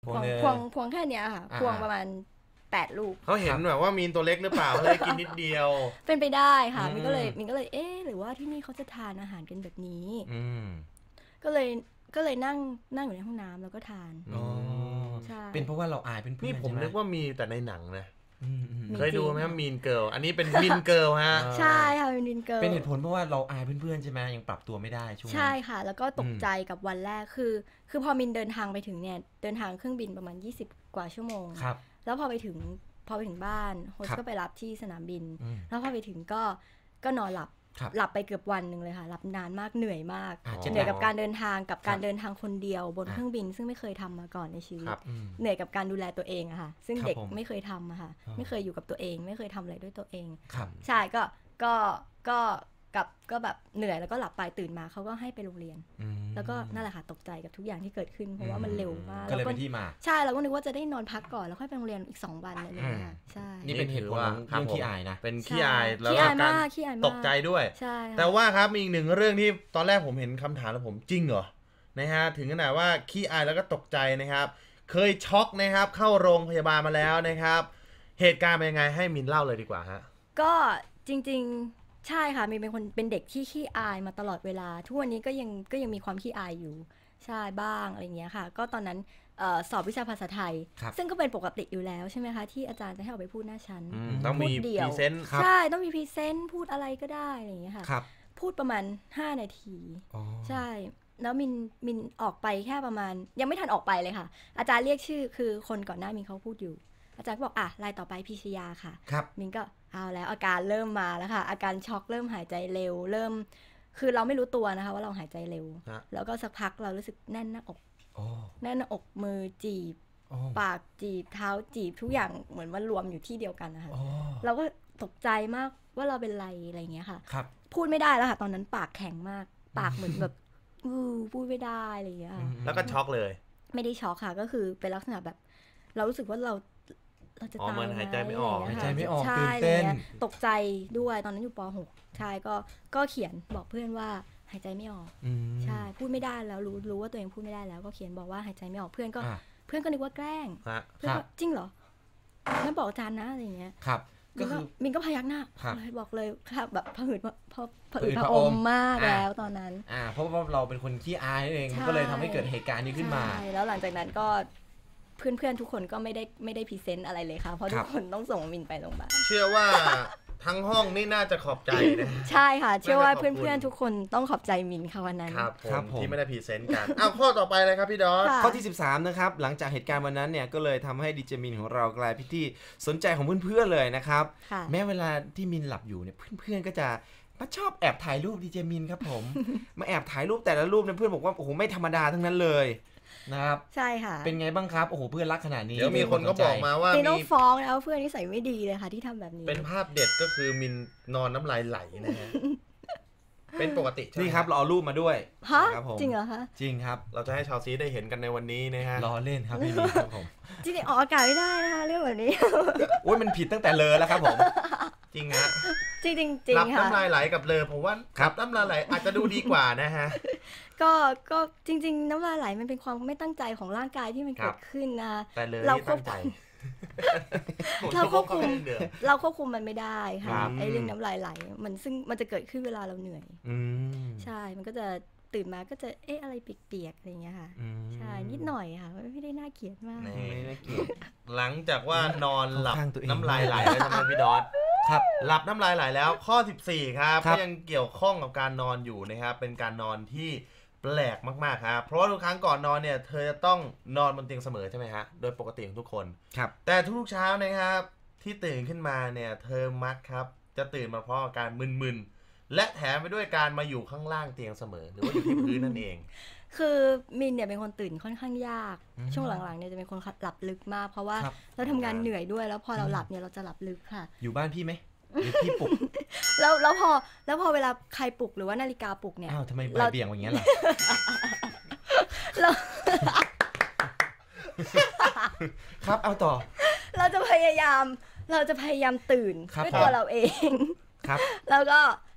พวงแค่เนี้ยค่ะพวงประมาณ8 ลูกเขาเห็นแบบว่ามีนตัวเล็กหรือเปล่าเลยกินนิดเดียวเป็นไปได้ค่ะมินก็เลยหรือว่าที่นี่เขาจะทานอาหารกันแบบนี้ก็เลยนั่งอยู่ในห้องน้ำแล้วก็ทานใช่เป็นเพราะว่าเราอายเป็นเพื่อนนี่ผมนึกว่ามีแต่ในหนังนะเคยดูไหมมีนเกิร์ลอันนี้เป็นมินเกิร์ลฮะใช่ค่ะเป็นมินเกิร์ลเป็นเหตุผลเพราะว่าเราอายเพื่อนๆใช่ไหมยังปรับตัวไม่ได้ช่วงนั้นใช่ค่ะแล้วก็ตกใจกับวันแรกคือพอมินเดินทางไปถึงเนี่ยเดินทางเครื่องบินประมาณ20 กว่าชั่วโมงแล้วพอไปถึงบ้านโฮสก็ไปรับที่สนามบินแล้วพอไปถึงก็นอนหลับไปเกือบวันนึงเลยค่ะหลับนานมากเหนื่อยมากเหนื่อยกับการเดินทางคนเดียวบนเครื่องบินซึ่งไม่เคยทำมาก่อนในชีวิตเหนื่อยกับการดูแลตัวเองอะค่ะซึ่งเด็กไม่เคยทำอะค่ะไม่เคยอยู่กับตัวเองไม่เคยทำอะไรด้วยตัวเองใช่ก็แบบเหนื่อยแล้วก็หลับไปตื่นมาเขาก็ให้ไปโรงเรียนแล้วก็นั่นแหละค่ะตกใจกับทุกอย่างที่เกิดขึ้นเพราะว่ามันเร็วมากก็เลยเป็นที่มาใช่เราก็นึกว่าจะได้นอนพักก่อนแล้วค่อยไปโรงเรียนอีก2 วันอะไรอย่างเงี้ยใช่นี่เป็นเหตุผลของเรื่องขี้อายนะเป็นขี้อายแล้วก็การตกใจด้วยแต่ว่าครับมีอีกหนึ่งเรื่องที่ตอนแรกผมเห็นคำถามแล้วผมจริงเหรอนะฮะถึงขนาดว่าขี้อายแล้วก็ตกใจนะครับเคยช็อกนะครับเข้าโรงพยาบาลมาแล้วนะครับเหตุการณ์เป็นยังไงให้มินเล่าเลยดีกว่าฮะก็จริงใช่ค่ะมีเป็นเด็กที่ขี้อายมาตลอดเวลาทุกวันนี้ก็ยังมีความขี้อายอยู่ใช่บ้างอะไรเงี้ยค่ะก็ตอนนั้นสอบวิชาภาษาไทยซึ่งก็เป็นปกติอยู่แล้วใช่ไหมคะที่อาจารย์จะให้ออกไปพูดหน้าชั้นต้องมีพรีเซนต์ใช่ต้องมีพรีเซนต์พูดอะไรก็ได้อะไรเงี้ยค่ะพูดประมาณ5 นาทีใช่แล้วมินออกไปแค่ประมาณยังไม่ทันออกไปเลยค่ะอาจารย์เรียกชื่อคือคนก่อนหน้ามินเขาพูดอยู่อาจารย์ก็บอกรายต่อไปพิชยาค่ะมินก็เอาแล้วอาการเริ่มมาแล้วค่ะอาการช็อกเริ่มหายใจเร็วเริ่มคือเราไม่รู้ตัวนะคะว่าเราหายใจเร็วแล้วก็สักพักเรารู้สึกแน่นหน้าอกมือจีบปากจีบเท้าจีบทุกอย่างเหมือนว่ารวมอยู่ที่เดียวกันนะคะเราก็ตกใจมากว่าเราเป็นอะไรอย่างเงี้ยค่ะพูดไม่ได้แล้วค่ะตอนนั้นปากแข็งมากปากเหมือนแบบพูดไม่ได้อะไรอย่างเงี้ยแล้วก็ช็อกเลยไม่ได้ช็อกค่ะก็คือเป็นลักษณะแบบเรารู้สึกว่าเราจะตายหายใจไม่ออกตื่นเต้นตกใจด้วยตอนนั้นอยู่ป .6 ใช่ก็เขียนบอกเพื่อนว่าหายใจไม่ออกใช่พูดไม่ได้แล้วรู้ว่าตัวเองพูดไม่ได้แล้วก็เขียนบอกว่าหายใจไม่ออกเพื่อนก็นึกว่าแกล้งเพื่อนก็จริงเหรองั้นบอกอาจารย์นะอะไรอย่างเงี้ยครับก็คือมินก็พยักหน้าบอกเลยครับแบบผะอืดผะอมมากแล้วตอนนั้นเพราะว่าเราเป็นคนขี้อายเองก็เลยทำให้เกิดเหตุการณ์นี้ขึ้นมาแล้วหลังจากนั้นก็เพื่อนๆทุกคนก็ไม่ได้พรีเซนต์อะไรเลยค่ะเพราะทุกคนต้องส่งมินไปโรงพยาบาลเชื่อว่าทั้งห้องนี่น่าจะขอบใจนะใช่ค่ะเชื่อว่าเพื่อนๆทุกคนต้องขอบใจมินค่ะวันนั้นครับผมที่ไม่ได้พรีเซนต์กันข้อต่อไปเลยครับพี่ดอสข้อที่13นะครับหลังจากเหตุการณ์วันนั้นเนี่ยก็เลยทำให้ดีเจมินของเรากลายเป็นที่สนใจของเพื่อนๆเลยนะครับแม้เวลาที่มินหลับอยู่เนี่ยเพื่อนๆก็จะมาชอบแอบถ่ายรูปดีเจมินครับผมมาแอบถ่ายรูปแต่ละรูปเนี่ยเพื่อนบอกว่าโอ้โหไม่ธรรมดาทั้งนั้นเลยนะครับใช่ค่ะเป็นไงบ้างครับโอ้โหเพื่อนรักขนาดนี้เดี๋ยวมีคนก็บอกมาว่ามีน้องฟ้องแล้วเพื่อนนิสัยไม่ดีเลยค่ะที่ทำแบบนี้เป็นภาพเด็ดก็คือมินนอนน้ำลายไหลนะฮะเป็นปกตินี่ครับเราเอารูปมาด้วยครับผมจริงเหรอคะจริงครับเราจะให้ชาวซีได้เห็นกันในวันนี้นะฮะล้อเล่นครับพี่นี่ครับผมจริงๆออกอากาศไม่ได้นะคะเรื่องแบบนี้โอ้ยมันผิดตั้งแต่เลยแล้วครับผมจริงฮะจริงๆรับน้ำลายไหลกับเลยผมว่ารับน้ำลายไหลอาจจะดูดีกว่านะฮะก็จริงๆน้ำลายไหลมันเป็นความไม่ตั้งใจของร่างกายที่มันเกิดขึ้นนะแต่เลยเราควบคุมเราควบคุมมันไม่ได้ค่ะไอ้เรื่องน้ำลายไหลซึ่งมันจะเกิดขึ้นเวลาเราเหนื่อยใช่มันก็จะตื่นมาก็จะอะไรเปียกๆอะไรอย่างเงี้ยค่ะใช่นิดหน่อยค่ะไม่ได้น่าเกลียดมากหลังจากว่านอนหลับน้ำลายไหลแล้วใช่ไหมพี่ดอสครับหลับน้ำลายไหลแล้วข้อ14ครับก็ยังเกี่ยวข้องกับการนอนอยู่นะครับเป็นการนอนที่แปลกมากๆครับเพราะว่าทุกครั้งก่อนนอนเนี่ยเธอจะต้องนอนบนเตียงเสมอใช่ไหมฮะโดยปกติของทุกคนครับแต่ทุกเช้านะครับที่ตื่นขึ้นมาเนี่ยเธอมักครับจะตื่นมาเพราะอาการมึนๆและแถมไปด้วยการมาอยู่ข้างล่างเตียงเสมอหรือว่าอยู่ที่พื้นนั่นเองคือมินเนี่ยเป็นคนตื่นค่อนข้างยากช่วงหลังๆเนี่ยจะเป็นคนหลับลึกมากเพราะว่าเราทำงานเหนื่อยด้วยแล้วพอเราหลับเนี่ยเราจะหลับลึกค่ะอยู่บ้านพี่ไหมหรือพี่ปลุกแล้วพอเวลาใครปลุกหรือว่านาฬิกาปลุกเนี่ยทำไมใบเบี่ยงอย่างเงี้ยล่ะครับเอาต่อเราจะพยายามตื่นด้วยตัวเราเองครับแล้วก็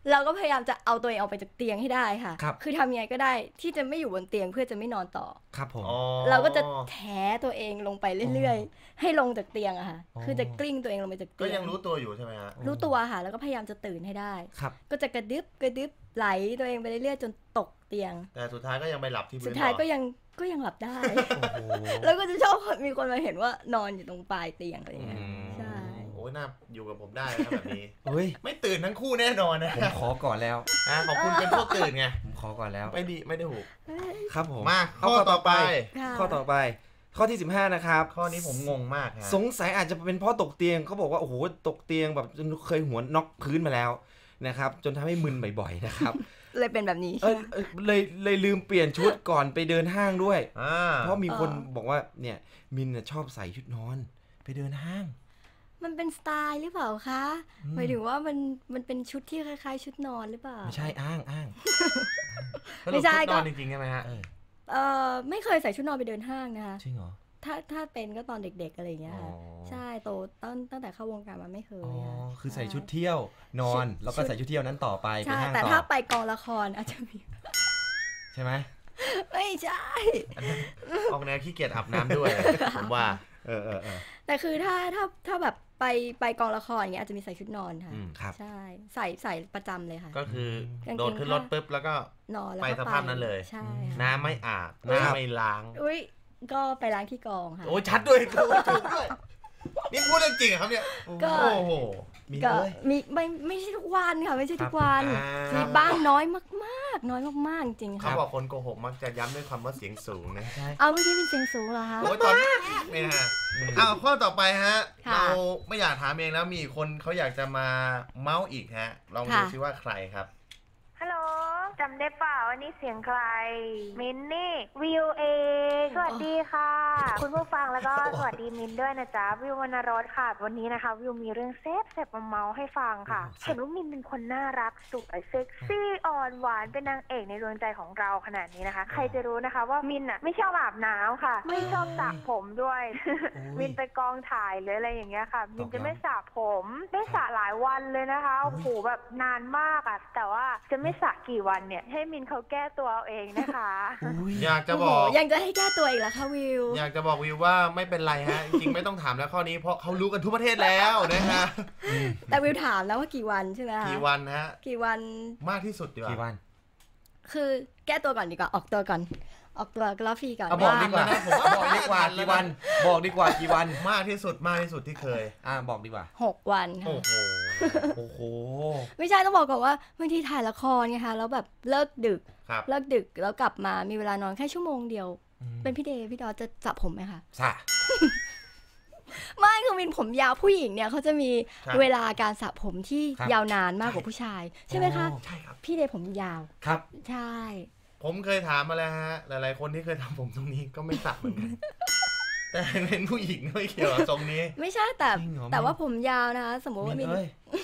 เราก็พยายามจะเอาตัวเองออกไปจากเตียงให้ได้ค่ะคือทำยังไงก็ได้ที่จะไม่อยู่บนเตียงเพื่อจะไม่นอนต่อครับผมเราก็จะแถตัวเองลงไปเรื่อยๆให้ลงจากเตียงอะค่ะคือจะกลิ้งตัวเองลงไปจากเตียงก็ยังรู้ตัวอยู่ใช่ไหมฮะรู้ตัวค่ะแล้วก็พยายามจะตื่นให้ได้ก็จะกระดึบไหลตัวเองไปเรื่อยๆจนตกเตียงแต่สุดท้ายก็ยังไปหลับที่พื้นสุดท้ายก็ยังหลับได้แล้วก็จะชอบมีคนมาเห็นว่านอนอยู่ตรงปลายเตียงอะไรอย่างเงี้ยใช่โอ้ยน่าอยู่กับผมได้นะแบบนี้ไม่ตื่นทั้งคู่แน่นอนนะผมขอก่อนแล้วขอบคุณเป็นพวกตื่นไงผมขอก่อนแล้วไม่ได้หูครับผมมาข้อต่อไปข้อที่15นะครับข้อนี้ผมงงมากสงสัยอาจจะเป็นเพราะตกเตียงเขาบอกว่าโอ้โหตกเตียงแบบจนเคยหัวน็อกพื้นมาแล้วนะครับจนทำให้มึนบ่อยๆนะครับเลยเป็นแบบนี้เลยลืมเปลี่ยนชุดก่อนไปเดินห้างด้วยเพราะมีคนบอกว่าเนี่ยมินชอบใส่ชุดนอนไปเดินห้างมันเป็นสไตล์หรือเปล่าคะหมายถึงว่ามันเป็นชุดที่คล้ายๆชุดนอนหรือเปล่าไม่ใช่อ้างไม่ใช่ก็นอนจริงๆใช่ไหมฮะไม่เคยใส่ชุดนอนไปเดินห้างนะคะจริงเหรอถ้าเป็นก็ตอนเด็กๆอะไรอย่างเงี้ยค่ะใช่โตตั้งแต่เข้าวงการมาไม่เคยคือใส่ชุดเที่ยวนอนแล้วก็ใส่ชุดเที่ยวนั้นต่อไปใช่แต่ถ้าไปกองละครอาจจะมีใช่ไหมไม่ใช่ออกแนวขี้เกียจอาบน้ำด้วยผมว่าแต่คือถ้าแบบไปกองละครอย่างเงี้ยอาจจะมีใส่ชุดนอนค่ะใช่ใส่ประจำเลยค่ะก็คือโดดขึ้นรถปุ๊บแล้วก็นอนแล้วไปสภาพนั้นเลยใช่น้ำไม่อาบน้ำไม่ล้างก็ไปล้างที่กองค่ะโอ้ชัดด้วยถูกด้วยนี่พูดเรื่องจริงครับเนี่ยโอ้โหมีไม่ใช่ทุกวันค่ะไม่ใช่ทุกวันมีบ้างน้อยมากๆน้อยมากๆจริงค่ะเขาบอกคนโกหกมักจะย้ำด้วยคำว่าเสียงสูงนะเอาไม่ใช่เป็นเสียงสูงเหรอคะโอ้ยตอนนี่ฮะเอาข้อต่อไปฮะเราไม่อยากถามเองแล้วมีคนเขาอยากจะมาเมาส์อีกฮะลองดูซิว่าใครครับฮัลโหลจำได้เปล่าวันนี้เสียงใครมินนี่วิวเองสวัสดีค่ะคุณผู้ฟังแล้วก็สวัสดีมินด้วยนะจ๊ะวิววรรณรสค่ะวันนี้นะคะวิวมีเรื่องเซฟมาเมาให้ฟังค่ะเห็นว่ามินเป็นคนน่ารักสวยเซ็กซี่อ่อนหวานเป็นนางเอกในดวงใจของเราขนาดนี้นะคะใครจะรู้นะคะว่ามินอ่ะไม่ชอบอาบน้ำค่ะไม่ชอบสระผมด้วยมินไปกองถ่ายหรืออะไรอย่างเงี้ยค่ะมินจะไม่สระผมไม่สระหลายวันเลยนะคะโอ้โหแบบนานมากอ่ะแต่ว่าจะไม่สระกี่วันเนี่ยให้มินเขาแก้ตัวเอาเองนะคะอยากจะบอกยังจะให้แก้ตัวอีกเหรอคะวิวอยากจะบอกวิวว่าไม่เป็นไรฮะจริงๆไม่ต้องถามแล้วข้อนี้เพราะเขารู้กันทุกประเทศแล้วนะฮะแต่วิวถามแล้วว่ากี่วันใช่ไหมคะกี่วันฮะกี่วันมากที่สุดดีกว่ากี่วันคือแก้ตัวก่อนดีกว่าออกตัวก่อนออกตัวกราฟีก่อนบอกดีกว่าบอกดีกว่ากี่วันบอกดีกว่ากี่วันมากที่สุดที่เคยบอกดีกว่า 6 วันค่ะโอ้โหไม่ใช่ต้องบอกก่อนว่าบางทีถ่ายละครไงคะแล้วแบบเลิกดึกแล้วกลับมามีเวลานอนแค่ชั่วโมงเดียวเป็นพี่เดย์พี่ดอจะสระผมไหมคะสระไม่คือมินผมยาวผู้หญิงเนี่ยเขาจะมีเวลาการสระผมที่ยาวนานมากกว่าผู้ชายใช่ไหมคะใช่ครับพี่เดย์ผมยาวครับใช่ผมเคยถามมาแล้วฮะหลายๆคนที่เคยทำผมตรงนี้ก็ไม่สระเหมือนกันแต่เป็นผู้หญิงไม่เกี่ยวกับตรงนี้ไม่ใช่แต่ว่าผมยาวนะคะสมมติว่ามิน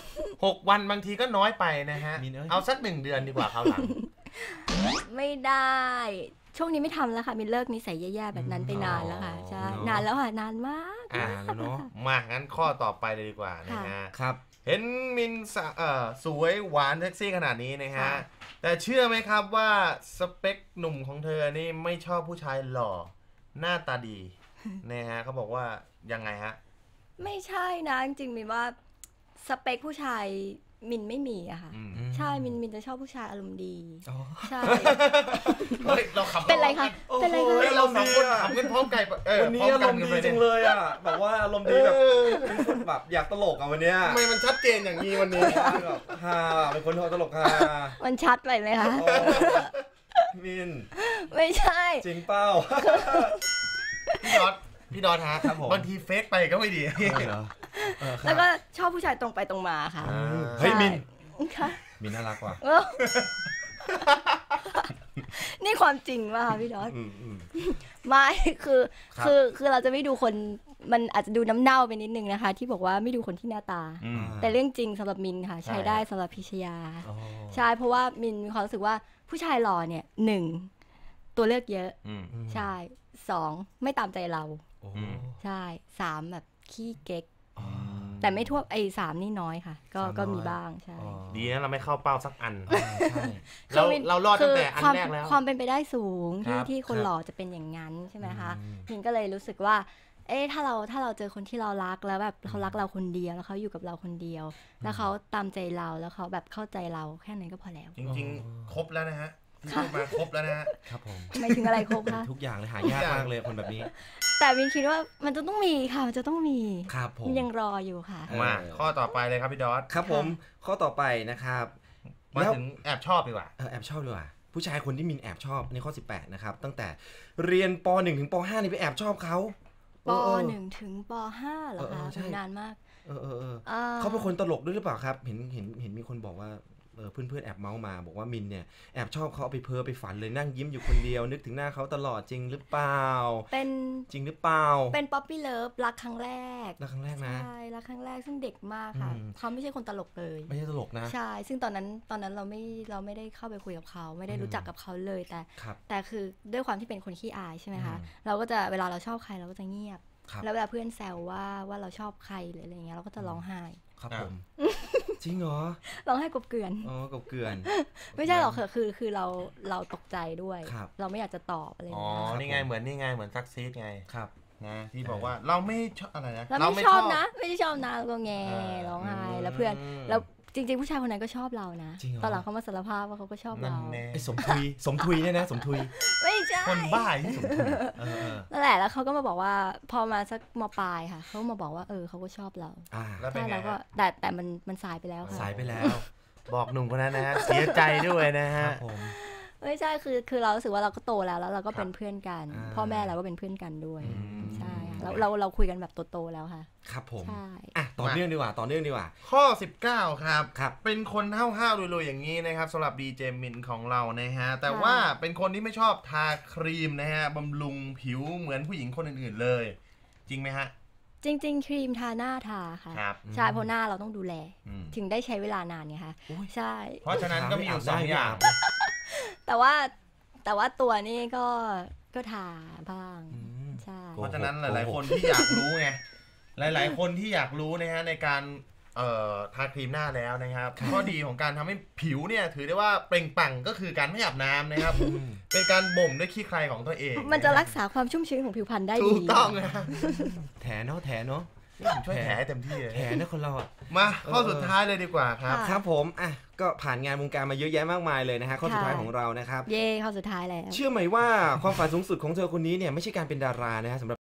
6 วันบางทีก็น้อยไปนะฮะเอาสัก1 เดือนดีกว่าคราวหลังไม่ได้ช่วงนี้ไม่ทำแล้วค่ะมินเลิกนิสัยแย่ๆแบบนั้นไปนานแล้วค่ะใช่นานแล้วค่ะนานมากเนาะมางั้นข้อต่อไปเลยดีกว่านะฮะครับเห็นมินสวยหวานเซ็กซี่ขนาดนี้นะฮะแต่เชื่อไหมครับว่าสเปคหนุ่มของเธอนี่ไม่ชอบผู้ชายหล่อหน้าตาดีนะฮะเขาบอกว่ายังไงฮะไม่ใช่นะจริงๆมินว่าสเปคผู้ชายมินไม่มีอะค่ะใช่มินจะชอบผู้ชายอารมณ์ดีใช่เราขำเป็นไรคะเป็นไรคะเราสองคนขำกันพร้อมกันวันนี้อารมณ์ดีจังเลยอะแบบว่าอารมณ์ดีแบบเป็นคนแบบอยากตลกอะวันนี้ทำไมมันชัดเจนอย่างนี้วันนี้แบบฮ่าเป็นคนตลกฮ่ามันชัดไปไหมคะมินไม่ใช่จริงเป้าพี่ดอทฮะบางทีเฟกไปก็ไม่ดีแล้วก็ชอบผู้ชายตรงไปตรงมาค่ะเฮ้ยมินมินน่ารักว่ะนี่ความจริงป่ะคะพี่ดอทไม่คือเราจะไม่ดูคนมันอาจจะดูน้ำเน่าไปนิดนึงนะคะที่บอกว่าไม่ดูคนที่หน้าตาแต่เรื่องจริงสำหรับมินค่ะใช้ได้สำหรับพิชยาใช่เพราะว่ามินมีความรู้สึกว่าผู้ชายหล่อเนี่ย1ตัวเลือกเยอะใช่2ไม่ตามใจเราใช่3แบบขี้เก๊กแต่ไม่ทั่วไอ้3นี่น้อยค่ะก็มีบ้างใช่ดีนะเราไม่เข้าเป้าสักอันใช่เรารอดตั้งแต่อันแรกแล้วความเป็นไปได้สูงที่คนหล่อจะเป็นอย่างนั้นใช่ไหมคะมินก็เลยรู้สึกว่าถ้าเราเจอคนที่เรารักแล้วแบบเขารักเราคนเดียวแล้วเขาอยู่กับเราคนเดียวแล้วเขาตามใจเราแล้วเขาแบบเข้าใจเราแค่นั้นก็พอแล้วจริงๆครบแล้วนะฮะที่พูดมาครบแล้วนะฮะครับผมไม่ถึงอะไรครบคะทุกอย่างเลยหายากมากเลยคนแบบนี้แต่มินคิดว่ามันจะต้องมีค่ะมันจะต้องมีครับผมยังรออยู่ค่ะมาข้อต่อไปเลยครับพี่ดอสครับผมข้อต่อไปนะครับมาถึงแอบชอบดีกว่าแอบชอบดีกว่าผู้ชายคนที่มินแอบชอบในข้อ18นะครับตั้งแต่เรียนป.1 ถึงป.5 นี่ไปแอบชอบเขาป.1 ถึงป.5 เหรอคะนานมากเขาเป็นคนตลกด้วยหรือเปล่าครับเห็นมีคนบอกว่าเพื่อนแอบเมาส์มาบอกว่ามินเนี่ยแอบชอบเขาเอาไปเพ้อไปฝันเลยนั่งยิ้มอยู่คนเดียวนึกถึงหน้าเขาตลอดจริงหรือเปล่าเป็นจริงหรือเปล่าเป็นป๊อปปี้เลิฟรักครั้งแรกนะใช่รักครั้งแรกซึ่งเด็กมากค่ะเขาไม่ใช่คนตลกเลยไม่ใช่ตลกนะใช่ซึ่งตอนนั้นเราไม่ได้เข้าไปคุยกับเขาไม่ได้รู้จักกับเขาเลยแต่คือด้วยความที่เป็นคนขี้อายใช่ไหมคะเราก็จะเวลาเราชอบใครเราก็จะเงียบแล้วเวลาเพื่อนแซวว่าเราชอบใครหรืออะไรเงี้ยเราก็จะร้องไห้ครับผมจริงเหรอร้องไห้กบเกลื่อนกบเกลื่อนไม่ใช่หรอกคือเราตกใจด้วยเราไม่อยากจะตอบอะไรนี่ไงเหมือนซักซีดไงครับนะที่บอกว่าเราไม่ชอบอะไรนะเราไม่ชอบนะไม่ได้ชอบนะแล้วก็แงร้องไห้แล้วเพื่อนแล้วจริงๆผู้ชายคนนั้นก็ชอบเรานะตอนหลังเขามาสารภาพว่าเขาก็ชอบเราไอ้สมทุยเนี่ยนะสมทุยไม่ใช่คนบ้าที่สมทุยนั่นแหละแล้วเขาก็มาบอกว่าพอมาสักม.ปลายค่ะเขามาบอกว่าเขาก็ชอบเราแล้วเป็นไงแล้วก็แต่มันสายไปแล้วค่ะสายไปแล้วบอกหนุ่มคนนั้นนะฮะเสียใจด้วยนะฮะไม่ใช่คือเรารู้สึกว่าเราก็โตแล้วเราก็เป็นเพื่อนกันพ่อแม่เราก็เป็นเพื่อนกันด้วยใช่เราคุยกันแบบโตๆแล้วค่ะครับผมต่อเนื่องดีกว่าข้อ19ครับเป็นคนห้าวๆรวยๆอย่างนี้นะครับสำหรับดีเจมินของเรานะฮะแต่ว่าเป็นคนที่ไม่ชอบทาครีมนะฮะบำรุงผิวเหมือนผู้หญิงคนอื่นๆเลยจริงไหมฮะจริงๆครีมทาหน้าทาค่ะใช่เพราะหน้าเราต้องดูแลถึงได้ใช้เวลานานไงคะใช่เพราะฉะนั้นก็มีอยู่2อย่างแต่ว่าตัวนี่ก็ทาบ้างใช่เพราะฉะนั้นหลายๆคนที่อยากรู้ไงหลายๆคนที่อยากรู้นะฮะในการทาครีมหน้าแล้วนะครับข้อดีของการทำให้ผิวเนี่ยถือได้ว่าเปล่งปลั่งก็คือการไม่อาบน้ำนะครับเป็นการบ่มด้วยขี้ใครของตัวเองมันจะรักษาความชุ่มชื้นของผิวพรรณได้ดีถูกต้องนะแถเนาะช่วยแถเต็มที่เลยแถนะคนเรามาข้อสุดท้ายเลยดีกว่าครับครับผมก็ผ่านงานวงการมาเยอะแยะมากมายเลยนะฮะข้อสุดท้ายของเรานะครับข้อสุดท้ายแล้วเชื่อไหมว่าความฝันสูงสุดของเธอคนนี้เนี่ยไม่ใช่การเป็นดารานะฮะสำหรับ